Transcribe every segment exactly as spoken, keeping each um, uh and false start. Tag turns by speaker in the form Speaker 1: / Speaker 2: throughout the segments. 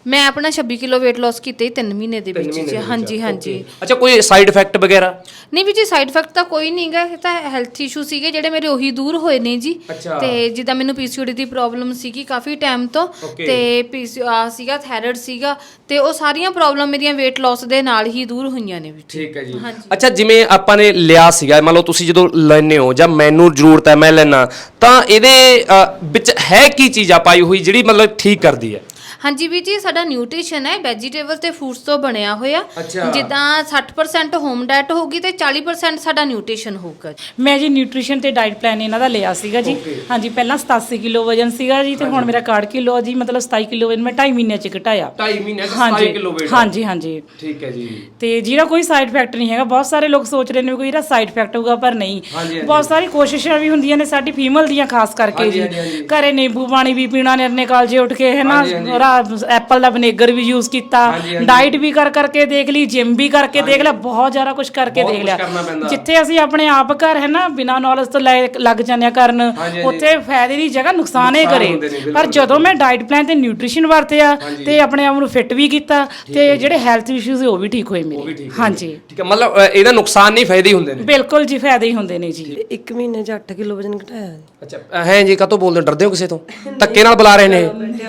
Speaker 1: ਮੈਂ ਆਪਣਾ ਛੱਬੀ ਕਿਲੋ weight loss ਕੀਤਾ ਹੀ ਤਿੰਨ ਮਹੀਨੇ ਦੇ ਵਿੱਚ ਜੀ। ਹਾਂਜੀ ਹਾਂਜੀ।
Speaker 2: ਅੱਛਾ, ਕੋਈ ਸਾਈਡ ਇਫੈਕਟ ਵਗੈਰਾ?
Speaker 1: ਨਹੀਂ ਵੀ ਜੀ ਸਾਈਡ ਇਫੈਕਟ ਤਾਂ ਕੋਈ ਨਹੀਂਗਾ, ਇਹ ਤਾਂ ਹੈਲਥ ਇਸ਼ੂ ਸੀਗੇ ਜਿਹੜੇ ਮੇਰੇ ਉਹੀ ਦੂਰ ਹੋਏ ਨੇ ਜੀ। ਤੇ ਜਿੱਦਾਂ ਮੈਨੂੰ ਪੀਸੀਓਡੀ ਦੀ ਪ੍ਰੋਬਲਮ ਸੀਗੀ ਕਾਫੀ ਟਾਈਮ ਤੋਂ, ਤੇ ਪੀਸੀ ਆ ਸੀਗਾ ਥਾਇਰਾਇਡ ਸੀਗਾ, ਤੇ ਉਹ ਸਾਰੀਆਂ ਪ੍ਰੋਬਲਮ ਮੇਰੀਆਂ weight loss ਦੇ ਨਾਲ ਹੀ ਦੂਰ ਹੋਈਆਂ ਨੇ ਵੀ।
Speaker 2: ਠੀਕ ਹੈ ਜੀ। ਅੱਛਾ, ਜਿਵੇਂ ਆਪਾਂ ਨੇ ਲਿਆ ਸੀਗਾ, ਮੰਨ ਲਓ ਤੁਸੀਂ ਜਦੋਂ ਲੈਨੇ ਹੋ ਜਾਂ ਮੈਨੂੰ ਜ਼ਰੂਰਤ ਹੈ ਮੈਂ ਲੈਣਾ, ਤਾਂ ਇਹਦੇ ਵਿੱਚ ਹੈ ਕੀ ਚੀਜ਼ ਆ ਪਾਈ ਹੋਈ ਜਿਹੜੀ ਮਤਲਬ ਠੀਕ ਕਰਦੀ ਹੈ?
Speaker 1: ਹਾਂਜੀ ਵੀਰ ਜੀ, ਸਾਡਾ ਨਿਊਟ੍ਰੀਸ਼ਨ ਹੈ ਵੈਜੀਟੇਬਲ ਤੇ ਫਰੂਟਸ ਤੋਂ ਬਣਿਆ ਹੋਇਆ। ਜਿੱਦਾਂ ਸੱਠ ਪਰਸੈਂਟ ਹੋਮ ਡਾਈਟ ਹੋਊਗੀ ਤੇ ਚਾਲੀ ਪਰਸੈਂਟ ਸਾਡਾ ਨਿਊਟ੍ਰੀਸ਼ਨ ਹੋਊਗਾ।
Speaker 3: ਮੈਂ ਜੀ ਨਿਊਟ੍ਰੀਸ਼ਨ ਤੇ ਡਾਈਟ ਪਲਾਨ ਇਹਨਾਂ ਦਾ ਲਿਆ ਸੀਗਾ ਜੀ। ਹਾਂਜੀ, ਪਹਿਲਾਂ ਸਤਾਸੀ ਕਿਲੋ ਵਜਨ ਸੀਗਾ ਜੀ, ਤੇ ਹੁਣ ਮੇਰਾ ਇਕਾਹਠ ਕਿਲੋ ਜੀ, ਮਤਲਬ ਸਤਾਈ ਕਿਲੋ ਵਜਨ ਮੈਂ ਢਾਈ ਮਹੀਨਿਆਂ ਚ ਘਟਾਇਆ।
Speaker 2: ਢਾਈ ਮਹੀਨਿਆਂ ਚ ਸਤਾਈ ਕਿਲੋ weight?
Speaker 3: ਹਾਂਜੀ ਹਾਂਜੀ।
Speaker 2: ਠੀਕ ਹੈ ਜੀ।
Speaker 3: ਤੇ ਜਿਹੜਾ ਕੋਈ ਸਾਈਡ ਇਫੈਕਟ ਨਹੀਂ ਹੈਗਾ। ਬਹੁਤ ਸਾਰੇ ਲੋਕ ਸੋਚ ਰਹੇ ਨੇ ਕੋਈ ਇਹਦਾ ਸਾਈਡ ਇਫੈਕਟ ਹੋਊਗਾ, ਪਰ ਨਹੀਂ। ਬਹੁਤ ਸਾਰੀ ਕੋਸ਼ਿਸ਼ਾਂ ਵੀ ਹੁੰਦੀਆਂ ਨੇ ਸਾਡੀ ਫੀਮੇਲ ਦੀਆਂ, ਖਾਸ ਕਰਕੇ ਜੀ। ਘਰੇ ਨਿੰਬੂ ਪਾਣੀ ਵੀ ਪੀਣਾ, ਨਿਰਨੇ ਕਾਲਜੇ ਉੱਠ ਕੇ ਹੈ ਨਾ, ਐਪਲ ਦਾ ਵਿਨੇਗਰ ਵੀ ਯੂਜ਼ ਕੀਤਾ, ਡਾਈਟ ਵੀ ਕਰ ਕਰਕੇ ਦੇਖ ਲਈ, ਜਿਮ ਵੀ ਕਰਕੇ ਦੇਖ ਲਿਆ, ਬਹੁਤ ਜ਼ਿਆਦਾ ਕੁਝ ਕਰਕੇ ਦੇਖ ਲਿਆ। ਜਿੱਥੇ ਅਸੀਂ ਆਪਣੇ ਆਪ ਘਰ ਹੈ ਨਾ ਬਿਨਾਂ ਨੌਲੇਜ ਤੋਂ ਲੱਗ ਜਾਂਦੇ ਆ ਕਰਨ, ਉੱਥੇ ਫਾਇਦੇ ਦੀ ਜਗ੍ਹਾ ਨੁਕਸਾਨ ਹੀ ਕਰੇ। ਪਰ ਜਦੋਂ ਮੈਂ ਡਾਈਟ ਪਲਾਨ ਤੇ ਨਿਊਟ੍ਰੀਸ਼ਨ ਵਰਤਿਆ ਤੇ ਆਪਣੇ ਆਪ ਨੂੰ ਫਿੱਟ ਵੀ ਕੀਤਾ, ਤੇ ਜਿਹੜੇ ਹੈਲਥ ਇਸ਼ੂਜ਼ ਉਹ ਵੀ ਠੀਕ ਹੋਏ ਮੇਰੇ। ਹਾਂਜੀ,
Speaker 2: ਠੀਕ ਹੈ। ਮਤਲਬ ਇਹਦਾ ਨੁਕਸਾਨ ਨਹੀਂ, ਫਾਇਦੇ ਹੀ ਹੁੰਦੇ ਨੇ?
Speaker 3: ਬਿਲਕੁਲ ਜੀ, ਫਾਇਦੇ ਹੀ ਹੁੰਦੇ ਨੇ ਜੀ।
Speaker 4: ਇੱਕ ਮਹੀਨੇ ਚ ਅੱਠ ਕਿਲੋ ਵਜਨ ਘਟਾਇਆ ਜੀ।
Speaker 2: ਅੱਛਾ ਹੈ ਜੀ, ਕਾਹਤੋਂ ਬੋਲਦੇ? ਡਰਦੇ ਹੋ ਕਿਸੇ ਤੋਂ? ਧੱਕੇ ਨਾਲ ਬੁਲਾ ਰਹੇ ਨੇ?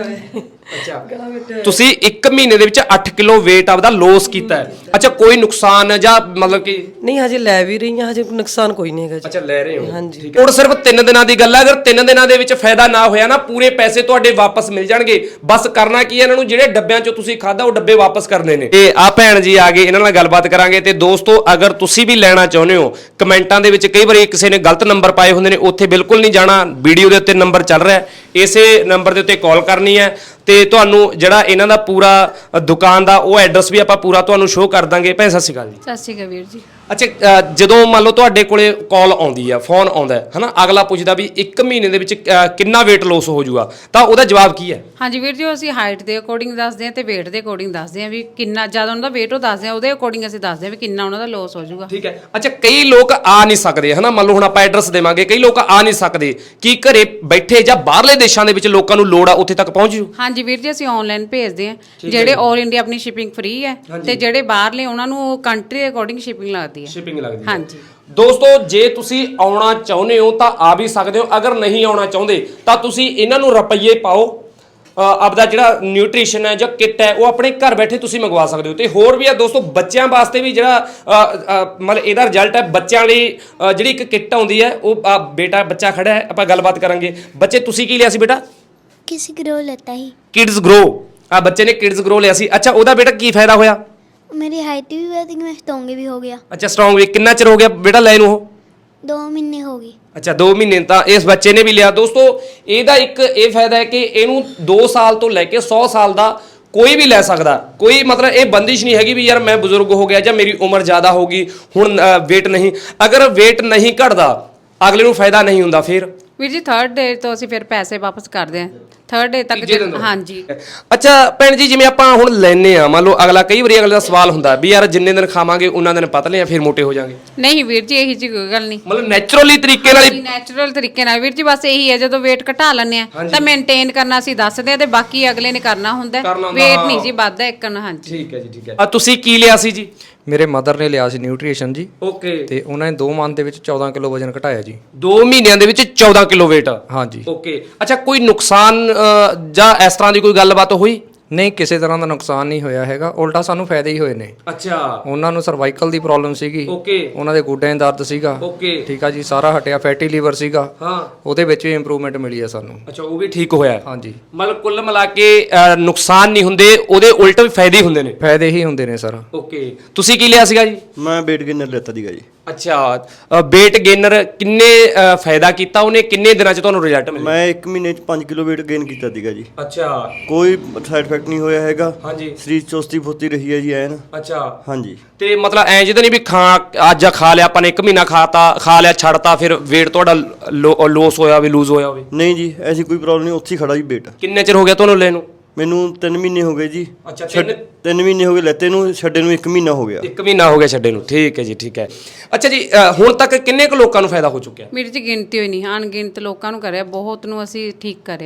Speaker 2: ਅੱਛਾ, ਤੁਸੀਂ ਇੱਕ ਮਹੀਨੇ ਦੇ ਵਿੱਚ ਅੱਠ ਕਿਲੋ weight ਆਪਦਾ ਲੋਸ ਕੀਤਾ ਹੈ। ਅੱਛਾ, ਕੋਈ ਨੁਕਸਾਨ ਜਾਂ ਮਤਲਬ ਕਿ?
Speaker 4: ਨਹੀਂ, ਹਜੇ ਲੈ ਵੀ ਰਹੀ ਹਾਂ, ਹਜੇ ਨੁਕਸਾਨ ਕੋਈ ਨਹੀਂ ਹੈਗਾ ਜੀ।
Speaker 2: ਅੱਛਾ, ਲੈ ਰਹੇ ਹੋ?
Speaker 4: ਹਾਂਜੀ।
Speaker 2: ਹੁਣ ਸਿਰਫ ਤਿੰਨ ਦਿਨਾਂ ਦੀ ਗੱਲ ਹੈ। ਅਗਰ ਤਿੰਨ ਦਿਨਾਂ ਦੇ ਵਿੱਚ ਫਾਇਦਾ ਨਾ ਹੋਇਆ ਨਾ, ਪੂਰੇ ਪੈਸੇ ਤੁਹਾਡੇ ਵਾਪਸ ਮਿਲ ਜਾਣਗੇ। ਬਸ ਕਰਨਾ ਕੀ ਹੈ, ਇਹਨਾਂ ਨੂੰ ਜਿਹੜੇ ਡੱਬਿਆਂ ਚੋਂ ਤੁਸੀਂ ਖਾਦਾ ਉਹ ਡੱਬੇ ਵਾਪਸ ਕਰਨੇ ਨੇ। ਤੇ ਆ ਭੈਣ ਜੀ ਆ ਗਏ, ਇਹਨਾਂ ਨਾਲ ਗੱਲਬਾਤ ਕਰਾਂਗੇ। ਤੇ ਦੋਸਤੋ, ਅਗਰ ਤੁਸੀਂ ਵੀ ਲੈਣਾ ਚਾਹੁੰਦੇ ਹੋ, ਕਮੈਂਟਾਂ ਦੇ ਵਿੱਚ ਕਈ ਵਾਰੀ ਕਿਸੇ ਨੇ ਗਲਤ ਨੰਬਰ ਪਾਏ ਹੁੰਦੇ ਨੇ, ਉੱਥੇ ਬਿਲਕੁਲ ਨਹੀਂ ਜਾਣਾ। ਵੀਡੀਓ ਦੇ ਉੱਤੇ ਨੰਬਰ ਚੱਲ ਰਿਹਾ, ਇਸੇ ਨੰਬਰ ਦੇ ਉੱਤੇ ਕਾਲ ਕਰਨੀ ਹੈ, ਤੇ ਤੁਹਾਨੂੰ ਜਿਹੜਾ ਇਹਨਾਂ ਦਾ ਪੂਰਾ ਦੁਕਾਨ ਦਾ ਉਹ ਐਡਰੈਸ ਵੀ ਆਪਾਂ ਪੂਰਾ ਤੁਹਾਨੂੰ ਸ਼ੋਅ ਕਰ ਦਾਂਗੇ। ਭੈਣ ਸਤਿ ਸ਼੍ਰੀ ਅਕਾਲ ਜੀ।
Speaker 1: ਸਤਿ ਸ਼੍ਰੀ ਅਕਾਲ ਵੀਰ ਜੀ।
Speaker 2: ਅੱਛਾ, ਜਦੋਂ ਮੰਨ ਲਓ ਤੁਹਾਡੇ ਕੋਲੇ ਕਾਲ ਆਉਂਦੀ ਆ, ਫੋਨ ਆਉਂਦਾ ਹੈ ਹਨਾ, ਅਗਲਾ ਪੁੱਛਦਾ ਵੀ ਇੱਕ ਮਹੀਨੇ ਦੇ ਵਿੱਚ ਕਿੰਨਾ weight loss ਹੋ ਜਾਊਗਾ, ਤਾਂ ਉਹਦਾ ਜਵਾਬ ਕੀ ਹੈ?
Speaker 5: ਹਾਂਜੀ ਵੀਰ ਜੀ, ਅਸੀਂ ਹਾਈਟ ਦੇ ਅਕੋਰਡਿੰਗ ਦੱਸਦੇ ਹਾਂ ਤੇ weight ਦੇ ਅਕੋਰਡਿੰਗ ਦੱਸਦੇ ਹਾਂ ਵੀ ਕਿੰਨਾ ਜ਼ਿਆਦਾ ਉਹਨਾਂ ਦਾ weight ਉਹ ਦੱਸਦੇ ਹਾਂ, ਉਹਦੇ ਅਕੋਰਡਿੰਗ ਅਸੀਂ ਦੱਸਦੇ ਹਾਂ ਵੀ ਕਿੰਨਾ ਉਹਨਾਂ ਦਾ ਲੋਸ ਹੋ ਜਾਊਗਾ।
Speaker 2: ਠੀਕ ਹੈ। ਅੱਛਾ, ਕਈ ਲੋਕ ਆ ਨਹੀਂ ਸਕਦੇ ਹਨਾ, ਮੰਨ ਲਓ ਹੁਣ ਆਪਾਂ ਐਡਰੈਸ ਦੇਵਾਂਗੇ, ਕਈ ਲੋਕ ਆ ਨਹੀਂ ਸਕਦੇ, ਕੀ ਘਰੇ ਬੈਠੇ ਜਾਂ ਬਾਹਰਲੇ ਦੇਸ਼ਾਂ ਦੇ ਵਿੱਚ ਲੋਕਾਂ ਨੂੰ ਲੋੜ ਆ ਉੱਥੇ ਤੱਕ ਪਹੁੰਚ ਜੂ?
Speaker 5: ਹਾਂਜੀ ਵੀਰ ਜੀ, ਅਸੀਂ ਆਨਲਾਈਨ ਭੇਜਦੇ ਹਾਂ। ਜਿਹੜੇ ਆਲ ਇੰਡੀਆ ਆਪਣੀ ਸ਼ਿਪਿੰਗ ਫ੍ਰੀ ਹੈ, ਤੇ ਜਿਹੜੇ ਬਾਹਰਲੇ ਉਹਨਾਂ ਨੂੰ ਕੰਟਰੀ ਦੇ ਅਕੋਰਡਿੰਗ ਸ਼ਿਪਿੰਗ ਲੱਗਦੀ ਹੈ।
Speaker 2: ਸ਼ਿਪਿੰਗ ਲੱਗਦੀ ਹੈ।
Speaker 5: ਹਾਂਜੀ
Speaker 2: ਦੋਸਤੋ, ਜੇ ਤੁਸੀਂ ਆਉਣਾ ਚਾਹੁੰਦੇ ਹੋ ਤਾਂ ਆ ਵੀ ਸਕਦੇ ਹੋ। ਅਗਰ ਨਹੀਂ ਆਉਣਾ ਚਾਹੁੰਦੇ ਤਾਂ ਤੁਸੀਂ ਇਹਨਾਂ ਨੂੰ ਰੁਪਈਏ ਪਾਓ, ਆਪਦਾ ਜਿਹੜਾ ਨਿਊਟ੍ਰੀਸ਼ਨ ਹੈ ਜਾਂ ਕਿੱਟ ਹੈ ਉਹ ਆਪਣੇ ਘਰ ਬੈਠੇ ਤੁਸੀਂ ਮੰਗਵਾ ਸਕਦੇ ਹੋ। ਤੇ ਹੋਰ ਵੀ ਆ ਦੋਸਤੋ, ਬੱਚਿਆਂ ਵਾਸਤੇ ਵੀ ਜਿਹੜਾ ਮਤਲਬ ਇਹਦਾ ਰਿਜ਼ਲਟ ਹੈ, ਬੱਚਿਆਂ ਲਈ ਜਿਹੜੀ ਇੱਕ ਕਿੱਟ ਆਉਂਦੀ ਹੈ, ਉਹ ਬੇਟਾ ਬੱਚਾ ਖੜਾ ਹੈ, ਆਪਾਂ ਗੱਲਬਾਤ ਕਰਾਂਗੇ। ਬੱਚੇ, ਤੁਸੀਂ ਕੀ ਲਿਆ ਸੀ ਬੇਟਾ?
Speaker 6: ਕਿਡਜ਼ ਗਰੋ ਲੈਤਾ ਹੀ।
Speaker 2: ਕਿਡਜ਼ ਗਰੋ, ਆ ਬੱਚੇ ਨੇ ਕਿਡਜ਼ ਗਰੋ ਲਿਆ ਸੀ। ਅੱਛਾ, ਉਹਦਾ ਬੇਟਾ ਕੀ ਫਾਇਦਾ ਹੋਇਆ?
Speaker 6: ਮੇਰੀ ਹਾਈਟ ਵੀ ਵਧੀ, ਮੈਂ ਸਟਰੋਂਗ ਵੀ ਹੋ ਗਿਆ।
Speaker 2: ਅੱਛਾ, ਸਟਰੋਂਗ ਵੀ। ਕਿੰਨਾ ਚਿਰ ਹੋ ਗਿਆ ਬੇਟਾ ਲੈ ਨੂੰ? ਉਹ
Speaker 6: ਦੋ ਮਹੀਨੇ ਹੋ ਗਏ।
Speaker 2: ਅੱਛਾ, ਦੋ ਮਹੀਨੇ ਤਾਂ ਇਸ ਬੱਚੇ ਨੇ ਵੀ ਲਿਆ। ਦੋਸਤੋ, ਇਹਦਾ ਇੱਕ ਇਹ ਫਾਇਦਾ ਹੈ ਕਿ ਇਹਨੂੰ ਦੋ ਸਾਲ ਤੋਂ ਲੈ ਕੇ ਸੌ ਸਾਲ ਦਾ ਕੋਈ ਵੀ ਲੈ ਸਕਦਾ। ਕੋਈ ਮਤਲਬ ਇਹ ਬੰਦਿਸ਼ ਨਹੀਂ ਹੈਗੀ ਵੀ ਯਾਰ ਮੈਂ ਬਜ਼ੁਰਗ ਹੋ ਗਿਆ ਜਾਂ ਮੇਰੀ ਉਮਰ ਜ਼ਿਆਦਾ ਹੋ ਗਈ ਹੁਣ weight ਨਹੀਂ। ਅਗਰ weight ਨਹੀਂ ਘਟਦਾ, ਅਗਲੇ ਨੂੰ ਫਾਇਦਾ ਨਹੀਂ ਹੁੰਦਾ। ਫਿਰ
Speaker 5: ਵੀਰ ਜੀ, ਥਰਡ ਡੇ ਤੋਂ ਅਸੀਂ ਫਿਰ ਪੈਸੇ ਵਾਪਸ ਕਰਦੇ ਹਾਂ, ਥਰਡ ਡੇ ਤੱਕ। ਹਾਂਜੀ।
Speaker 2: ਅੱਛਾ ਭੈਣ ਜੀ, ਜਿਵੇਂ ਆਪਾਂ ਹੁਣ ਲੈਨੇ ਆ, ਮੰਨ ਲਓ ਅਗਲਾ ਕਈ ਵਾਰੀ ਅਗਲੇ ਦਾ ਸਵਾਲ ਹੁੰਦਾ ਵੀ ਯਾਰ ਜਿੰਨੇ ਦਿਨ ਖਾਵਾਂਗੇ ਉਹਨਾਂ ਦਿਨ ਪਤਲੇ ਆ, ਫਿਰ ਮੋਟੇ ਹੋ ਜਾਾਂਗੇ।
Speaker 5: ਨਹੀਂ ਵੀਰ ਜੀ, ਇਹੀ ਜੀ ਕੋਈ ਗੱਲ ਨਹੀਂ।
Speaker 2: ਮਤਲਬ ਨੈਚੁਰਲੀ ਤਰੀਕੇ ਨਾਲ ਹੀ?
Speaker 5: ਨੈਚੁਰਲ ਤਰੀਕੇ ਨਾਲ ਵੀਰ ਜੀ, ਬਸ ਇਹੀ ਹੈ ਜਦੋਂ weight ਘਟਾ ਲੈਂਦੇ ਆ ਤਾਂ ਮੇਨਟੇਨ ਕਰਨਾ ਅਸੀਂ ਦੱਸਦੇ ਆ, ਤੇ ਬਾਕੀ ਅਗਲੇ ਨੇ ਕਰਨਾ ਹੁੰਦਾ। weight ਨਹੀਂ ਜੀ ਵੱਧਦਾ ਇੱਕ ਨਾ। ਹਾਂਜੀ,
Speaker 2: ਠੀਕ ਹੈ ਜੀ, ਠੀਕ ਹੈ। ਆ ਤੁਸੀਂ ਕੀ ਲਿਆ ਸੀ ਜੀ?
Speaker 7: ਮੇਰੇ ਮਦਰ ਨੇ ਲਿਆ ਸੀ ਨਿਊਟ੍ਰੀਸ਼ਨ ਜੀ।
Speaker 2: ਓਕੇ।
Speaker 7: ਤੇ ਉਹਨਾਂ ਨੇ ਦੋ ਮੰਥ ਦੇ ਵਿੱਚ ਚੌਦਾਂ ਕਿਲੋ ਵਜਨ ਘਟਾਇਆ ਜੀ।
Speaker 2: ਦੋ ਮਹੀਨਿਆਂ ਦੇ ਵਿੱਚ ਚੌਦਾਂ ਕਿਲੋ weight?
Speaker 7: ਹਾਂਜੀ।
Speaker 2: ਓਕੇ। ਅੱਛਾ, ਕੋਈ ਨੁਕਸਾਨ ਜਾਂ ਇਸ ਤਰ੍ਹਾਂ ਦੀ ਕੋਈ ਗੱਲਬਾਤ ਹੋਈ?
Speaker 7: ਨਹੀਂ, ਕਿਸੇ ਤਰ੍ਹਾਂ ਦਾ ਨੁਕਸਾਨ ਨਹੀਂ ਹੋਇਆ ਹੈਗਾ, ਉਲਟਾ ਸਾਨੂੰ ਫਾਇਦੇ ਹੀ ਹੋਏ ਨੇ।
Speaker 2: ਅੱਛਾ।
Speaker 7: ਉਹਨਾਂ ਨੂੰ ਸਰਵਾਈਕਲ ਦੀ ਪ੍ਰੋਬਲਮ ਸੀਗੀ।
Speaker 2: ਓਕੇ।
Speaker 7: ਉਹਨਾਂ ਦੇ ਗੋਡਿਆਂ 'ਚ ਦਰਦ ਸੀਗਾ।
Speaker 2: ਓਕੇ।
Speaker 7: ਠੀਕ ਆ ਜੀ, ਸਾਰਾ ਹਟਿਆ। ਫੈਟੀ ਲੀਵਰ ਸੀਗਾ।
Speaker 2: ਹਾਂ।
Speaker 7: ਉਹਦੇ ਵਿੱਚ ਵੀ ਇੰਪਰੂਵਮੈਂਟ ਮਿਲੀ ਆ ਸਾਨੂੰ।
Speaker 2: ਅੱਛਾ, ਉਹ ਵੀ ਠੀਕ ਹੋਇਆ?
Speaker 7: ਹਾਂਜੀ।
Speaker 2: ਮਤਲਬ ਕੁੱਲ ਮਿਲਾ ਕੇ ਨੁਕਸਾਨ ਨਹੀਂ ਹੁੰਦੇ, ਉਹਦੇ ਉਲਟ ਵੀ ਫਾਇਦੇ ਹੁੰਦੇ ਨੇ?
Speaker 7: ਫਾਇਦੇ ਹੀ ਹੁੰਦੇ ਨੇ ਸਰ।
Speaker 2: ਓਕੇ। ਤੁਸੀਂ ਕੀ ਲਿਆ ਸੀਗਾ ਜੀ?
Speaker 8: ਮੈਂ weight gainer ਲੈਤਾ ਸੀਗਾ ਜੀ।
Speaker 2: ਅੱਛਾ, weight gainer ਕਿੰਨੇ ਫਾਇਦਾ ਕੀਤਾ ਉਹਨੇ, ਕਿੰਨੇ ਦਿਨਾਂ 'ਚ ਤੁਹਾਨੂੰ ਰਿਜ਼ਲਟ ਮਿਲਿਆ?
Speaker 8: ਮੈਂ ਇੱਕ ਮਹੀਨੇ 'ਚ ਪੰਜ ਕਿਲੋ weight gain ਕੀਤਾ ਸੀਗਾ ਜੀ।
Speaker 2: ਅੱਛਾ।
Speaker 8: ਕੋਈ ਸਾਈਡ ਇਫੈਕਟ ਨਹੀਂ ਹੋਇਆ ਹੈਗਾ।
Speaker 2: ਹਾਂਜੀ।
Speaker 8: ਸਰੀਰ ਚੁਸਤੀ ਫੁਰਤੀ ਰਹੀ ਹੈ ਜੀ ਐਨ।
Speaker 2: ਅੱਛਾ।
Speaker 8: ਹਾਂਜੀ।
Speaker 2: ਤੇ ਮਤਲਬ ਐਂ ਜਿਹਦਾ ਨਹੀਂ ਵੀ ਖਾ ਅੱਜ ਖਾ ਲਿਆ ਆਪਾਂ ਨੇ, ਇੱਕ ਮਹੀਨਾ ਖਾਤਾ ਖਾ ਲਿਆ ਛੱਡਤਾ, ਫਿਰ weight ਤੁਹਾਡਾ ਲੋਸ ਹੋਇਆ ਵੀ, ਲੂਜ਼ ਹੋਇਆ ਹੋਵੇ?
Speaker 8: ਨਹੀਂ ਜੀ, ਐਸੀ ਕੋਈ ਪ੍ਰੋਬਲਮ ਨਹੀਂ, ਉੱਥੇ ਹੀ ਖੜਾ ਜੀ weight।
Speaker 2: ਕਿੰਨੇ ਚਿਰ ਹੋ ਗਿਆ ਤੁਹਾਨੂੰ ਲੈ ਨੂੰ?
Speaker 8: ਮੈਨੂੰ ਤਿੰਨ ਮਹੀਨੇ ਹੋ ਗਏ ਜੀ।
Speaker 2: ਅੱਛਾ,
Speaker 8: ਤਿੰਨ ਮਹੀਨੇ ਹੋ ਗਏ ਲੈਤੇ ਨੂੰ, ਛੱਡੇ ਨੂੰ ਇੱਕ ਮਹੀਨਾ ਹੋ ਗਿਆ।
Speaker 2: ਇੱਕ ਮਹੀਨਾ ਹੋ ਗਿਆ ਛੱਡੇ ਨੂੰ। ਠੀਕ ਹੈ ਜੀ, ਠੀਕ ਹੈ। ਅੱਛਾ ਜੀ, ਹੁਣ ਤੱਕ ਕਿੰਨੇ ਕੁ ਲੋਕਾਂ ਨੂੰ ਫਾਇਦਾ ਹੋ ਚੁੱਕਿਆ?
Speaker 5: ਮੇਰੀ ਜੀ ਗਿਣਤੀ ਹੋਈ ਨਹੀਂ, ਅਣਗਿਣਤ ਲੋਕਾਂ ਨੂੰ ਕਰਿਆ, ਬਹੁਤ ਨੂੰ ਅਸੀਂ ਠੀਕ ਕਰਿਆ ਜੀ।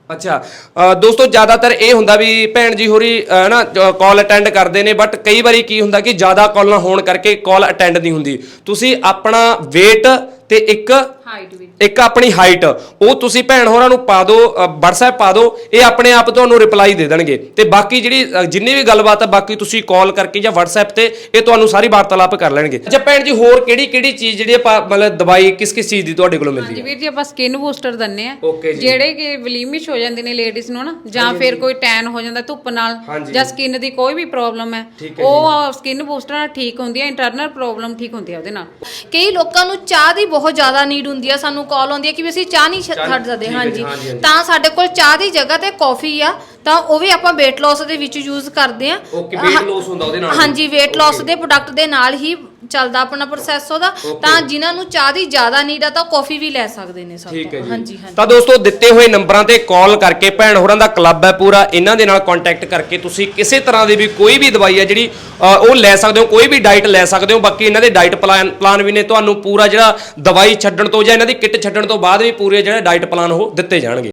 Speaker 2: ਅੱਛਾ ਅ, ਦੋਸਤੋ ਜ਼ਿਆਦਾਤਰ ਇਹ ਹੁੰਦਾ ਵੀ ਭੈਣ ਜੀ ਹੋਰੀ ਅ, ਨਾ ਕਾਲ ਅਟੈਂਡ ਕਰਦੇ ਨੇ ਬਟ ਕਈ ਵਾਰੀ ਕੀ ਹੁੰਦਾ ਕਿ ਜ਼ਿਆਦਾ ਕਾਲਾਂ ਹੋਣ ਕਰਕੇ ਕਾਲ ਅਟੈਂਡ ਨਹੀਂ ਹੁੰਦੀ। ਤੁਸੀਂ ਆਪਣਾ weight ਤੇ ਇੱਕ
Speaker 5: ਹਾਈਟ ਵੀ
Speaker 2: ਇੱਕ ਆਪਣੀ ਹਾਈਟ ਉਹ ਤੁਸੀਂ ਭੈਣ ਹੋਰਾਂ ਨੂੰ ਪਾ ਦਿਓ, WhatsApp ਪਾ ਦਿਓ, ਇਹ ਆਪਣੇ ਆਪ ਤੁਹਾਨੂੰ ਰਿਪਲਾਈ ਦੇ ਦੇਣਗੇ। ਤੇ ਬਾਕੀ ਜਿਹੜੀ ਅ, ਜਿੰਨੀ ਵੀ ਗੱਲਬਾਤ ਆ ਬਾਕੀ ਤੁਸੀਂ ਕਾਲ ਕਰਕੇ ਜਾਂ WhatsApp ਤੇ ਇਹ ਤੁਹਾਨੂੰ ਸਾਰੀ ਵਾਰਤਾਲਾਪ ਕਰ ਲੈਣਗੇ। ਅੱਛਾ ਭੈਣ ਜੀ ਹੋਰ ਕਿਹੜੀ ਕਿਹੜੀ ਚੀਜ਼ ਜਿਹੜੀ ਆਪਾਂ ਮਤਲਬ ਦਵਾਈ ਕਿਸ ਕਿਸ ਚੀਜ਼ ਦੀ ਤੁਹਾਡੇ ਕੋਲੋਂ ਮਿਲਦੀ
Speaker 5: ਹਾਂਜੀ
Speaker 2: ਹੈ?
Speaker 5: ਵੀਰ ਜੀ ਆਪਾਂ ਸਕਿਨ ਬੂਸਟਰ ਦਿੰਨੇ ਆ
Speaker 2: Okay ਜੀ।
Speaker 5: ਜਿਹੜੇ ਕਿ ਵਲੀਮਿਸ਼ ਹੋ ਜਾਂਦੇ ਨੇ ਲੇਡੀਜ਼ ਨੂੰ ਨਾ ਜਾਂ ਫਿਰ ਕੋਈ ਟੈਨ ਹੋ ਜਾਂਦਾ ਧੁੱਪ ਨਾਲ ਜਾਂ ਸਕਿਨ ਦੀ ਕੋਈ ਵੀ ਪ੍ਰੋਬਲਮ ਹੈ ਉਹ ਸਕਿਨ ਬੂਸਟਰ ਨਾਲ ਠੀਕ ਹੁੰਦੀ ਹੈ। ਇੰਟਰਨਲ ਪ੍ਰੋਬਲਮ ਠੀਕ ਹੁੰਦੀ ਹੈ ਉਹਦੇ ਨਾਲ।
Speaker 1: ਕਈ ਲੋਕਾਂ ਨੂੰ ਚਾਹ ਦੀ ਬਹੁਤ ਜ਼ਿਆਦਾ ਨੀਡ ਹੁੰਦੀ ਆ, ਸਾਨੂੰ ਕਾਲ ਆਉਂਦੀ ਹੈ ਕਿ ਵੀ ਅਸੀਂ ਚਾਹ ਨਹੀਂ ਛੱਡ ਸਕਦੇ। ਹਾਂਜੀ, ਤਾਂ ਸਾਡੇ ਕੋਲ ਚਾਹ ਦੀ ਜਗ੍ਹਾ ਤੇ ਕਾਫੀ ਆ, ਤਾਂ ਉਹ ਵੀ ਆਪਾਂ weight loss ਦੇ ਵਿੱਚ ਯੂਜ਼ ਕਰਦੇ ਆ।
Speaker 2: ਓਕੇ weight loss ਹੁੰਦਾ ਉਹਦੇ ਨਾਲ?
Speaker 1: ਹਾਂਜੀ, weight loss ਦੇ ਪ੍ਰੋਡਕਟ ਦੇ ਨਾਲ ਹੀ ਚੱਲਦਾ ਆਪਣਾ ਪ੍ਰੋਸੈਸ ਉਹਦਾ। ਤਾਂ ਜਿਨ੍ਹਾਂ ਨੂੰ ਚਾਹ ਦੀ ਜ਼ਿਆਦਾ ਨੀਡ ਆ ਤਾਂ ਕਾਫੀ ਵੀ ਲੈ ਸਕਦੇ ਨੇ ਸਭ ਤੋਂ। ਹਾਂਜੀ ਹਾਂਜੀ।
Speaker 2: ਤਾਂ ਦੋਸਤੋ ਦਿੱਤੇ ਹੋਏ ਨੰਬਰਾਂ ਤੇ ਕਾਲ ਕਰਕੇ ਭੈਣ ਹੋਰਾਂ ਦਾ ਕਲੱਬ ਹੈ ਪੂਰਾ, ਇਹਨਾਂ ਦੇ ਨਾਲ ਕੰਟੈਕਟ ਕਰਕੇ ਤੁਸੀਂ ਕਿਸੇ ਤਰ੍ਹਾਂ ਦੀ ਵੀ ਕੋਈ ਵੀ ਦਵਾਈ ਹੈ ਜਿਹੜੀ ਅ, ਉਹ ਲੈ ਸਕਦੇ ਹੋ, ਕੋਈ ਵੀ ਡਾਈਟ ਲੈ ਸਕਦੇ ਹੋ। ਬਾਕੀ ਇਹਨਾਂ ਦੇ ਡਾਈਟ ਪਲਾਨ ਪਲਾਨ ਵੀ ਨੇ, ਤੁਹਾਨੂੰ ਪੂਰਾ ਜਿਹੜਾ ਦਵਾਈ ਛੱਡਣ ਤੋਂ ਜਾਂ ਇਹਨਾਂ ਦੀ ਕਿੱਟ ਛੱਡਣ ਤੋਂ ਬਾਅਦ ਵੀ ਪੂਰੇ ਜਿਹੜੇ ਡਾਈਟ ਪਲਾਨ ਉਹ ਦਿੱਤੇ ਜਾਣਗੇ।